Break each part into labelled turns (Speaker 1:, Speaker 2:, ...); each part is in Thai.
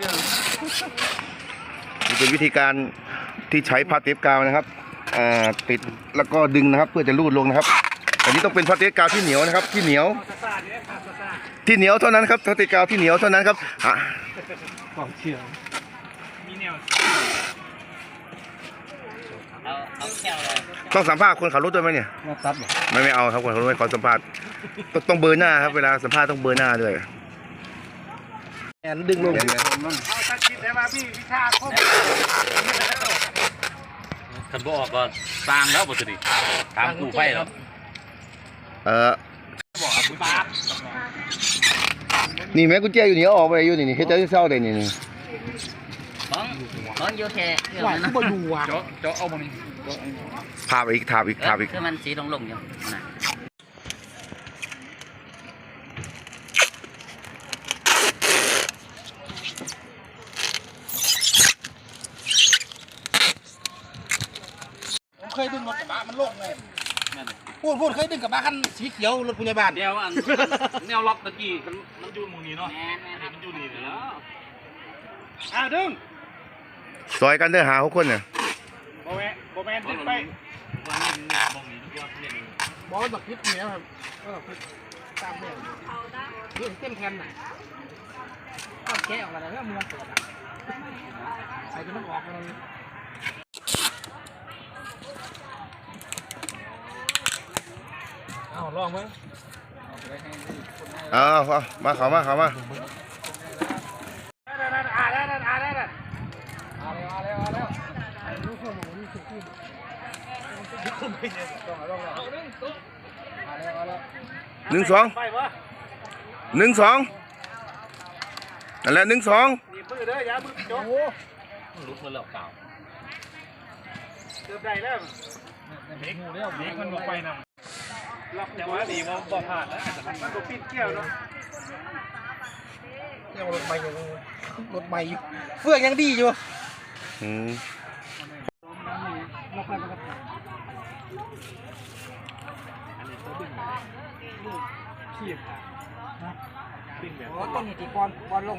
Speaker 1: นี่เป็นวิธีการที่ใช้ผ้าเทปกาวนะครับติดแล้วก็ดึงนะครับเพื่อจะลูดลงนะครับอันนี้ต้องเป็นผ้าเทปกาวที่เหนียวนะครับที่เหนียวเท่านั้นครับผ้าเทปกาวที่เหนียวเท่านั้นครับ
Speaker 2: กองเชียร์มีแนว
Speaker 1: ต้องสัมภาษณ์คนขับรถด้วยไหมเนี่ย
Speaker 2: ตัด
Speaker 1: ไม่เอาครับคนขับรถไม่ขอสัมภาษณ์ต้องเบอร์หน้าครับเวลาสัมภาษณ์ต้องเบอร์หน้าด้วย
Speaker 2: แอนดึงลง
Speaker 3: เอาตัดคิดได้ว่าพี่วิชาครบ
Speaker 4: ขันบ่ออกก็สร้างแล้วบ่สิตามกูไฟแล้ว
Speaker 1: นี่แม่กุญแจอยู่นี่ออกไปอยู่นี่เฮ็ดจะเศร้าได้นี่
Speaker 4: บ้องอยู่แค่
Speaker 2: หวานบ่อยู่อ่ะ
Speaker 4: เจาะเอาบ่นี่
Speaker 1: ทาบอีก
Speaker 4: คือมันสีลงอยู่นะ
Speaker 2: เคยดึงรถกระบะมันลงเลยพูดเคยดึงกระบะคันสีเขียวรถพยาบาล
Speaker 4: เดียวอันแนวล็อกตะกี้มันอยู่มุมนี้เนาะมันอยู่นี่แล้ว
Speaker 3: ดึง
Speaker 1: ซอยกันเด้อหา6คนเนี่ย
Speaker 3: โบแมนดึงไป
Speaker 2: บอลแบบพิษเนี้ยครับพิษตามเนี่ยนี่เต็มแคนน่ะก็แกะออกมาแล้วมัวเปิดใส่จนมันออกเลยลองไหม
Speaker 1: มาเขามา
Speaker 2: เอาเลย
Speaker 1: 1-2นั่นแหละ1-2
Speaker 3: นี่มือเด้อยามือจบ
Speaker 4: ลุกมาแล้วเก่า
Speaker 3: เกือบได้แล้วเด็กมันลงไปนะล็อกจังหวะดีว่าบ่ผ่านแล้วมันก็ปิ้นเกี่ยวเนาะ
Speaker 2: ยังรถใหม่อยู่เฟื่องยังดีอยู่ต้นหินก้อนลง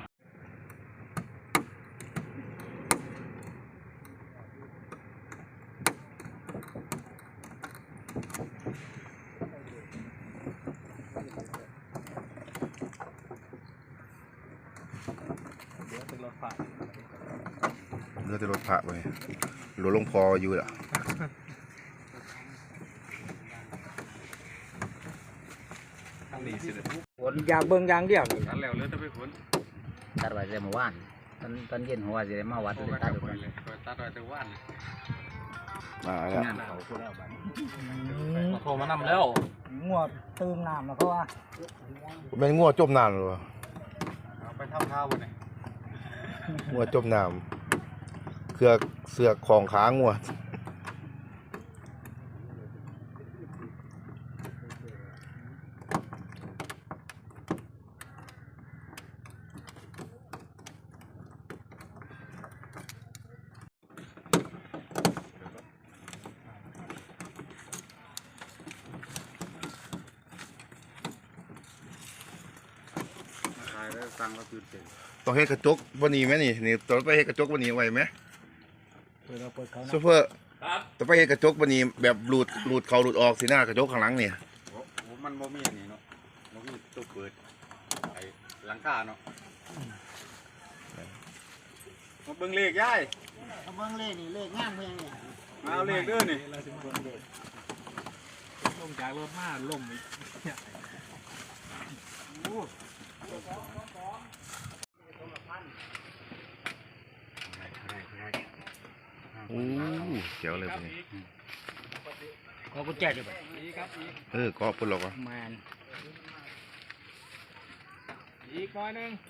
Speaker 1: เลือดจะรถผ่าไปรถลงพออยู่อ่ะ
Speaker 2: ฝนยางเบิ้งยางเดียวนี่
Speaker 3: ตัดแล้วเลือดจะไปฝน
Speaker 4: ตัดไว้แต่เมื่อวานตอนเย็นหัวจะได้มาวัดเลยตัดไว้
Speaker 3: ตัดไว้แต่วัน
Speaker 1: แล้ว
Speaker 4: โทรมานำแล้ว
Speaker 2: งัวตื่นน้ำแล้วก็ว่า
Speaker 1: เป็นงัวจมน้ำหรือเปล่า
Speaker 3: ไปทำท่าวันนี้
Speaker 1: งัวจมน้ำเสือกของขางัวต้องให้กระจกวันนี้ไหมนี่ต้องไปให้กระจกวันนี้ไหวไหมซูเปอร์ต้องไปให้กระจกวันนี้แบบหลุดเขาหลุดออกสีหน้ากระจกข้างหลังเนี่ย
Speaker 3: มันโมมี่นี่เนาะโมมี่ตัวเปิดไอ้หลังคาเนาะมาเบิ่งเลขย่าย
Speaker 2: เบิ่งเลขนี่เลขงามเพียงนี่
Speaker 3: มาเอาเลขเด้อนี่
Speaker 2: ลงจากรถมาลงอีก
Speaker 1: เจ๋วเลยพวกนี้
Speaker 2: ก็กุญแจดิบ่
Speaker 1: ก็ปุ่นหรอกวะ
Speaker 2: มัน
Speaker 3: อีกหน่อยนึง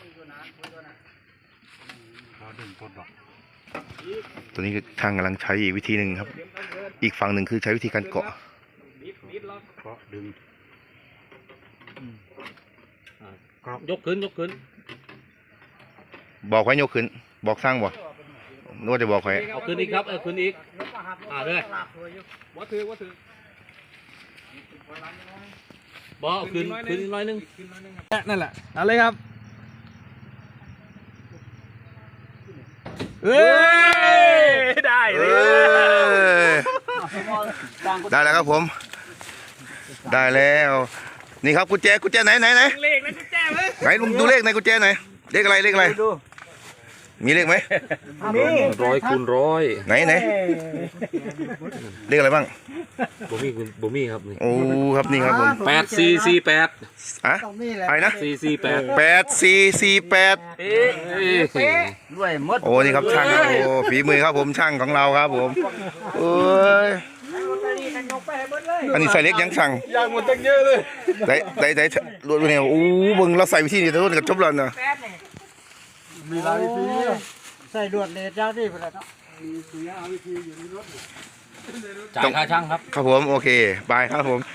Speaker 4: ดึงต้นดอก
Speaker 1: ตัวนี้ทางกำลังใช้อีกวิธีหนึ่งครับอีกฝั่งหนึ่งคือใช้วิธีการเกาะ
Speaker 4: ดึงยกขึ้น
Speaker 1: บอกไว้ยกขึ้นบอกสร้างบอกนวดจะบอกใคร
Speaker 4: เอาขึ้นอีกครับขึ้นอีกเลย
Speaker 3: ว่าถือ
Speaker 4: บอกขึ้นน้อยนึง
Speaker 2: นั่นแหละเอาเลยครับ
Speaker 3: เฮ้ยได้
Speaker 1: เอ
Speaker 3: เลย
Speaker 1: อได้แล้วครับผม ได้แล้ว นี่ครับกุญแจไหน
Speaker 3: เลขนะกุญแจเว้ย
Speaker 1: ไหนลุงดูเลขในกุญแจหน่อยเลขอะไรมีเลขไหม
Speaker 4: 100 คูณ 100
Speaker 1: ไหนเลขอะไรบ้าง
Speaker 4: บ่มีครับนี่
Speaker 1: โอ้ครับนี่ครับผม
Speaker 4: 8448
Speaker 1: อะ
Speaker 2: ตรงนี้แหละ
Speaker 1: อะไรนะ
Speaker 4: 448
Speaker 1: 8448
Speaker 2: ด้วยมด
Speaker 1: โอ้นี่ครับช่างครับโอ้ฝีมือครับผมช่างของเราครับผมเอ้ยอันนี้ใส่เล็กยังช่าง
Speaker 3: ยางหมดตั้งเยอะเลย
Speaker 1: ได้รวดเนี่ยโอ้เบิ่งเราใส่วิธีนี้ทั้งหมดกับจบแล้วนะ
Speaker 2: มีหลายวิธีใส่ลวดเลดยาวที่ไปแล้วเนาะ
Speaker 4: จ่ายค่าช่างครับ
Speaker 1: ครับผมโอเคบายครับผม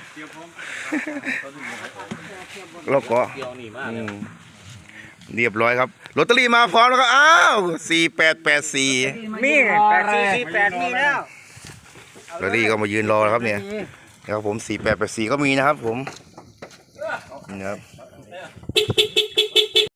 Speaker 1: แล้วก็
Speaker 4: เกี่ยวนี่มาก
Speaker 1: เรียบร้อยครับลอตเตอรี่มาพร้อมแล้วก็อ้าว4884
Speaker 2: มี8448มีแล้ว
Speaker 1: ลอตเตอรี่ก็มายืนรอแล้วครับเนี่ยนะครับผม4884ก็มีนะครับผมนี่นะครับ